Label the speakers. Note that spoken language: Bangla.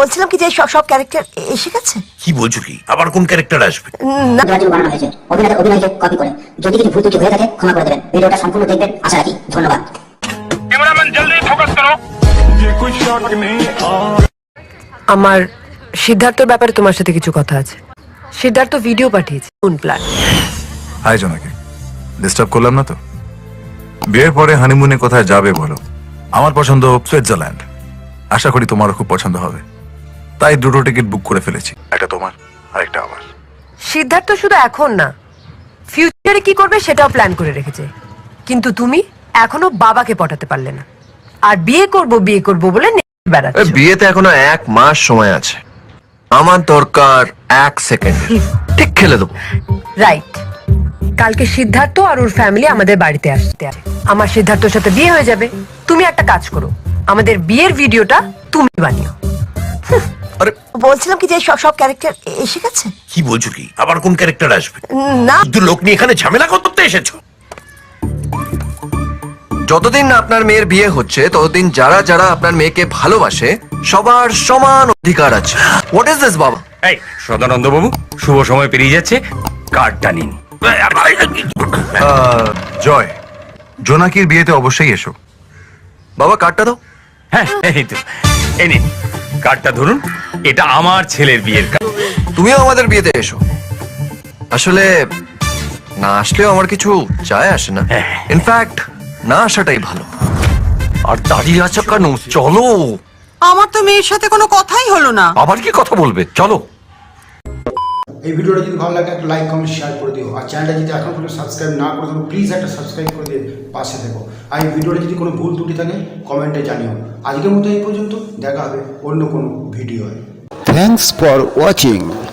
Speaker 1: বলছিলাম কি যে সব ক্যারেক্টার এসে গেছে।
Speaker 2: কি বলছো কি? আবার কোন ক্যারেক্টার আসবে?
Speaker 1: না
Speaker 3: জন্য বানানো হয়েছে অভিনয়কে কপি করে। যদি কিছু ভুল ত্রুটি হয়ে থাকে ক্ষমা করে দেবেন। ভিডিওটা সম্পূর্ণ দেখবেন আশা রাখি। ধন্যবাদ।
Speaker 4: कैमरामैन जल्दी फोकस करो।
Speaker 5: আমার সিদ্ধার্থর ব্যাপারে তোমার সাথে কিছু কথা আছে। সিদ্ধার্থ ভিডিও পাঠিয়েছে কোন প্ল্যান।
Speaker 6: হাই জোনাকি, ডিস্টার্ব করলাম না তো? বিয়ের পরে হানিমুনে কোথায় যাবে বলো? আমার পছন্দ সুইজারল্যান্ড, আশা করি তোমারও খুব পছন্দ হবে। তাই দুটো টিকিট বুক করে ফেলেছি, একটা তোমার আর একটা আমার।
Speaker 5: সিদ্ধার্থ শুধু এখন না, ফিউচারে কি করবে সেটাও প্ল্যান করে রেখেছে। কিন্তু তুমি এখনো বাবাকে পটাতে পারলে না, আর বিয়ে করব বলে বেড়াচ্ছ।
Speaker 7: বিয়েতে এখনো 1 মাস সময় আছে। আমার দরকার 1 সেকেন্ড, ঠিক খেলে দেবো।
Speaker 5: রাইট, কালকে সিদ্ধার্থ আর ওর ফ্যামিলি আমাদের বাড়িতে আসতে আছে। আমার সিদ্ধার্থর সাথে বিয়ে হয়ে যাবে। তুমি একটা কাজ করো, আমাদের বিয়ের ভিডিওটা তুমি বানিও।
Speaker 7: আরে
Speaker 1: বলছিলাম কি যে সব ক্যারেক্টার এসে গেছে।
Speaker 2: কি বলছো কি? আবার কোন ক্যারেক্টার আসবে?
Speaker 1: না
Speaker 2: শুধু লোক নিয়ে এখানে ঝামেলা করতে এসেছো?
Speaker 7: যতদিন না আপনার মেয়ের বিয়ে হচ্ছে ততদিন যারা যারা আপনার মেয়েকে ভালোবাসে সবার সমান অধিকার আছে। হোয়াট ইজ দিস বাবা?
Speaker 4: এই সদানন্দ বাবু, শুভ সময় পেরিয়ে যাচ্ছে, কার্ডটা নিন।
Speaker 6: জয়, জোনাকির বিয়েতে অবশ্যই এসো।
Speaker 7: বাবা কার্ডটা দাও।
Speaker 4: হ্যাঁ এই তো, এই নিন কার্ডটা ধরুন, এটা আমার ছেলের বিয়ের কার্ড।
Speaker 7: তুমিও আমাদের বিয়েতে এসো। আসলে না আসলেও আমার কিছু যায় আসে না। ইনফ্যাক্ট না আসাটাই ভালো। আর দাঁড়িয়ে আছো কেন? চলো।
Speaker 8: আমার তো মেয়ের সাথে কোনো কথাই হলো না।
Speaker 7: আবার কি কথা বলবে? চলো।
Speaker 9: এই ভিডিওটা যদি ভালো লাগে একটা লাইক কমেন্ট শেয়ার করে দিও। আর চ্যানেলটা যদি এখন পর্যন্ত সাবস্ক্রাইব না করে থাকো প্লিজ একটা সাবস্ক্রাইব করে দিয়ে পাশে থেকো। আর এই ভিডিওটা যদি কোনো ভুল ত্রুটি থাকে কমেন্টে জানিও। আজকের মতো এই পর্যন্ত, দেখা হবে অন্য কোনো ভিডিওয়।
Speaker 10: Thanks for watching.